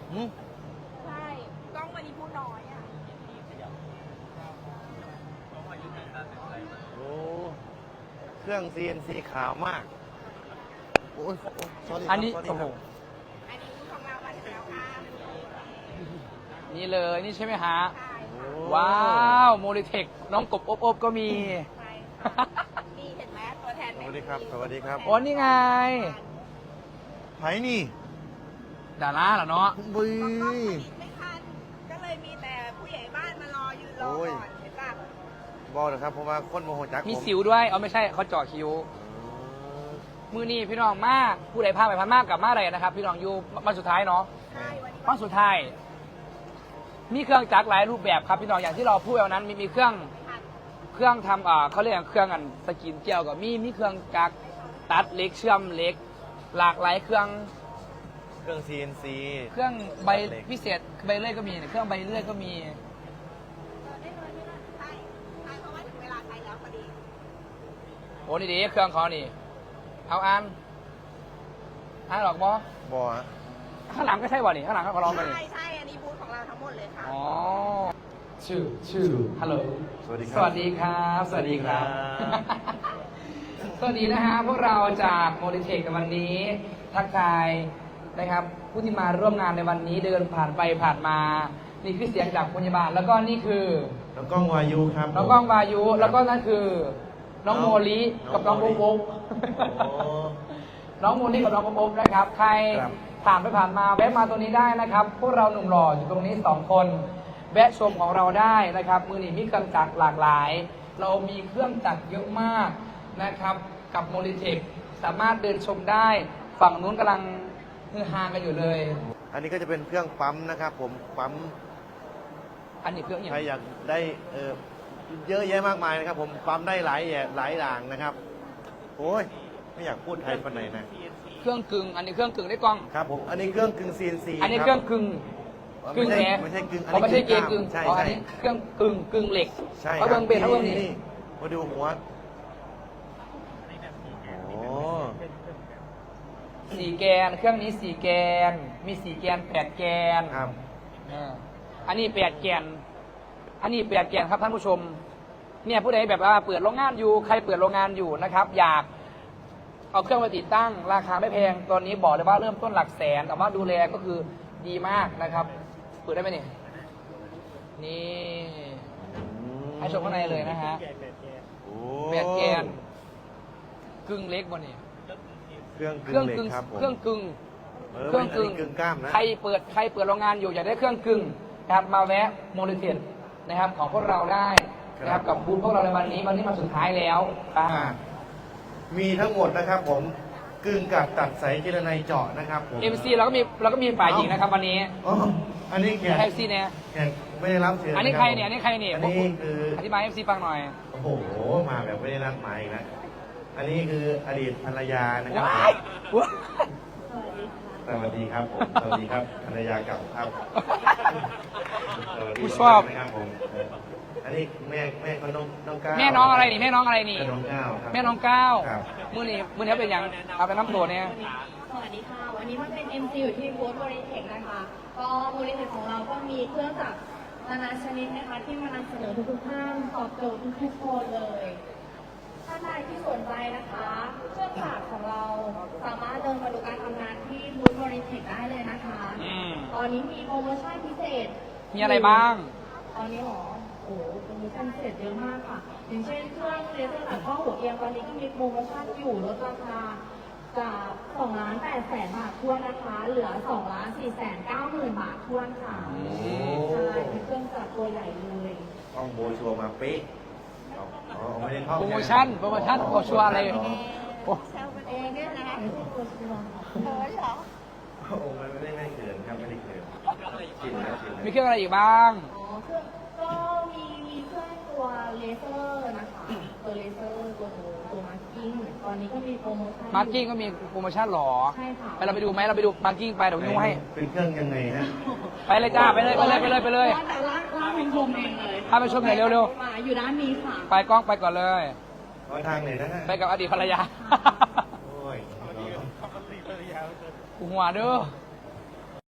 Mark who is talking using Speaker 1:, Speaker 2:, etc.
Speaker 1: ใช่กล้องวันนี้พูดน้อยอ่ะ
Speaker 2: โอ้เครื่อง CNC ขาวมากโอ้ย sorry
Speaker 3: อันนี้
Speaker 2: ครับ
Speaker 3: โอ้โห
Speaker 1: อันนี้พูดของเราวันนี้แล้วค่ะ
Speaker 3: นี่เลยนี่ใช่ไหมฮะ
Speaker 1: ใช่
Speaker 2: โอ้
Speaker 3: ว้าวโมลิเทคน้องกบอบก็มี
Speaker 1: ใช่ค่ะนี่เห็นไหมตัวแทน
Speaker 2: สวัสดีครับสวัสดีครับ
Speaker 3: โอ้นี่ไง
Speaker 2: ไผนี่
Speaker 3: ดาราเหรอเนาะ
Speaker 2: บุย
Speaker 1: ไม่ทันก็เลยมีแต่ผู้ใหญ่บ้านมารอยืนรอ
Speaker 2: โอ้ย
Speaker 1: ก่อนเห็นป่ะ
Speaker 2: บอกเลยครับเพราะว่าคนโมโหจัก
Speaker 3: มี
Speaker 2: ผม
Speaker 3: สิวด้วยเอาไม่ใช่เขาเจาะคิ้ว มือนี่พี่น้องมากผู้ใดพาไปพันมากกับมาอะไรนะครับ พี่น้องอยู่วันสุดท้ายเนาะ
Speaker 1: ใช่วันนี้
Speaker 3: วันสุดท้าย มีเครื่องจักรหลายรูปแบบครับพี่น้องอย่างที่เราพูดไปวันนั้นมีเครื่องทำเขาเรียกเครื่องอันสกินเจลกับมีเครื่องจักรตัดเหล็กเชื่อมเหล็ก หลากหลายเครื่อง
Speaker 2: CNC
Speaker 3: เครื่องใบพิเศษใบเลื่อยก็มีเครื่องใบเลื่อยก็มี
Speaker 1: ได้เลยไม่ได้ใช่ใช่เพราะว่าถึงเวลาใช้แล้วพอดี
Speaker 3: โอ้นี่ดีเครื่องเขานี่ เอาอ่านหรอกบอบ
Speaker 2: อฮะ
Speaker 3: ข้างหลังก็ใช่บ่นี่ข้างหลังก็ลองไปนี่
Speaker 1: ใช่ใช่อันนี้บูธของเราทั้งหมดเลยค่ะ
Speaker 3: อ๋อชื่อฮัลโหล
Speaker 2: สวัสดีค
Speaker 3: ส
Speaker 2: รับ
Speaker 3: วัสดีครับ สวัสดีครับ
Speaker 2: สวัสดีครับ
Speaker 3: สวัสดีนะฮะพวกเราจากโมดิเทคในวันนี้ ทักทายนะครับ ผู้ที่มาร่วมงานในวันนี้เดินผ่านไปผ่านมา นี่คือเสียงจากพยาบาลแล้วก็นี่คือ
Speaker 2: น้องกล้องวายุครับ
Speaker 3: น้องก้องวายุ แล้วก็นั่นคือ น้องโมลิกับน้องปุ๊กปุ๊ก
Speaker 2: โอ้
Speaker 3: น้องโมลิกับน้องปุ๊กปุ๊กนะครับ ใคร
Speaker 2: ครับ
Speaker 3: ผ่านไปผ่านมาแวะมาตรงนี้ได้นะครับ พวกเราหนุ่มหล่ออยู่ตรงนี้2 คนแวะชมของเราได้นะครับ มือหนีมีเครื่องจักรหลากหลาย เรามีเครื่องจักรเยอะมากนะครับ กับโมลิเทคสามารถเดินชมได้ ฝั่งนู้นกำลังฮือฮากันอยู่เลย
Speaker 2: อันนี้ก็จะเป็นเครื่องปั๊มนะครับผมปั๊ม
Speaker 3: อันนี้เครื่องอย่าง
Speaker 2: ใครอยากได้เยอะแยะมากมายนะครับ ผมปั๊มได้หลายอย่างนะครับโอ้ยไม่อยากพูดไทยปานไหนนะ
Speaker 3: เครื่องกึ่งอันนี้เครื่องกึ่งได้กล้อง
Speaker 2: ครับผมอันนี้เครื่องกึ่ง CNC
Speaker 3: อันนี้
Speaker 2: บ
Speaker 3: เครื่องกึ่งกึ่งแหน
Speaker 2: ไม่ใช่กึ่ง
Speaker 3: อ๋อไม่ใช่เกมกึ่ง
Speaker 2: ใช่
Speaker 3: อ๋ออัน
Speaker 2: ใช่
Speaker 3: นี้เครื่องกึ่งเหล็ก
Speaker 2: ใช่
Speaker 3: เขาเบิ่งเบนเขาเบิ่งนี่
Speaker 2: มาดูหัวโอ้
Speaker 3: 4 แกน เครื่องนี้4 แกน มี4 แกน8 แกน
Speaker 2: ครับ
Speaker 3: อันนี้8 แกน อันนี้8 แกนครับท่านผู้ชม เนี่ยผู้ใดแบบว่าเปิดโรงงานอยู่ ใครเปิดโรงงานอยู่นะครับ อยากเอาเครื่องมาติดตั้ง ราคาไม่แพง ตอนนี้บอกเลยว่าเริ่มต้นหลักแสน แต่ว่าดูแลก็คือดีมากนะครับ เปิดได้ไหมเนี่ยนี่ ให้ชมข้างในเลยนะฮะ
Speaker 2: โอ้
Speaker 3: 8 แกน กึ่งเล็กบนนี่
Speaker 2: เครื่อง
Speaker 3: เค
Speaker 2: กึ่
Speaker 3: รื่อง
Speaker 2: งเหล็ก
Speaker 3: กึ่ง
Speaker 2: ครับผม
Speaker 3: เครื่องกึ่ง
Speaker 2: เครื่องกึ่งกึ่งกล้ามนะ
Speaker 3: ใครเปิดโรงงานอยู่อยากได้เครื่องกึ่งนะครับมาแวะโมลิเทนนะครับของพวกเราได้นะครับกับบูธพวกเราในวันนี้มาสุดท้ายแล้วครับ
Speaker 2: มีทั้งหมดนะครับผมกึ่งกับตัดสายเจรไนเจาะนะครับผม
Speaker 3: MC เราก็มีฝ่ายหญิงนะครับวันนี้
Speaker 2: อ๋ออันนี้แขก
Speaker 3: FC เนี่ย
Speaker 2: แขกไม่ได้รับเชิญ
Speaker 3: อันนี้
Speaker 2: ะ
Speaker 3: ใคร
Speaker 2: บ
Speaker 3: เนี่ยอันนี้ใครเนี่ย
Speaker 2: อันนี้คือ
Speaker 3: อธิบาย FC ฟังหน่อย
Speaker 2: โอ้โหมาแบบไม่ได้นัดหมายอีกนะอันนี้คืออดีตภรรยานะครับ
Speaker 3: ว้ายว้าย
Speaker 2: สวัสดีครับผมสวัสดีครับภรรยาเก่าครับสวัสดี
Speaker 3: ผู้ชอบ
Speaker 2: นะครับผมอันนี้แม่เขาน้องก้าว
Speaker 3: แม่น้องอะไรนี่แม่น้องอะไรนี่
Speaker 2: แม่น้องก้าวครับ
Speaker 3: แม่น้องก้าว
Speaker 2: ครับ
Speaker 3: มือนี้เป็นอย่างเอาไปน้ำตัวเนี่ย
Speaker 4: สวัสดีค่ะ วันนี้มันเป็น MC อยู่ที่บูธบริเทคนะคะ ก็บริเทคของเราก็มีเครื่องจักรนานาชนิดนะคะ ที่มานำเสนอทุกๆท่านตอบโจทย์ทุกๆคนเลยท่านใดที่สนใจนะคะ เครื่องจักรของเราสามารถเดินมาดูการทำงานที่บูธบริเทคได้เลยนะคะ ตอนนี้มีโปรโมชั่นพิเศษ
Speaker 3: มีอะไรบ้าง
Speaker 4: ตอนนี้หรอโอ้โหโปรโมชั่นพิเศษเยอะมากค่ะ อย่างเช่นเครื่องเลเซอร์ตัดข้อหัวเอียงตอนนี้ก็มีโปรโมชั่นอยู่ลดราคาจาก2,800,000 บาททวนนะคะ เหลือ2,490,000 บาททวนค่ะ ใช่เป็นเครื่องจักรตัวใหญ่เลย
Speaker 2: ห้องโบชัวร์มาเป๊ะอ๋อไม่ได้เข้า
Speaker 3: โปรโมชั่นโปรชัวร์อะไร โอ้
Speaker 1: แซวกันเองเนี่ยนะ
Speaker 4: ไม่ใช่ตัวชัวร์ค่ะ
Speaker 1: เออเหรอ
Speaker 2: โอ้ไม่ได้เขินครับไม่ได้เขินชินแล้วชินแล้ว
Speaker 3: มีเครื่องอะไรอีกบ้าง
Speaker 4: อ๋อเครื่องก็มีเครื่องตัวเลเซอร์นะคะ ตัวเลเซอร์ตัวมาร์กิ้งตอนนี้ก็มีโปรโมชั่น
Speaker 3: มาร์กิ้งก็มีโปรโมชั่นหรอ
Speaker 4: ใช่ค่ะ
Speaker 3: ไปเราไปดูไหมเราไปดูมาร์กิ้งไปเดี๋ยวนิ้วให้
Speaker 2: เป็นเครื่องยังไงฮะ
Speaker 3: ไปเลยจ้า ไปเลย
Speaker 4: ร้านเป็นชมเองเลย
Speaker 3: พาไปชมหน่อยเร็ว
Speaker 4: มาอยู่ด้านนี้ค่ะ
Speaker 3: ๆ ไปกล้องไปก่อนเลย
Speaker 2: ขอทางไหนนะฮะ
Speaker 3: ไปกับอดีตภรรยา
Speaker 2: โอ้ย
Speaker 3: กูหัวเด้อ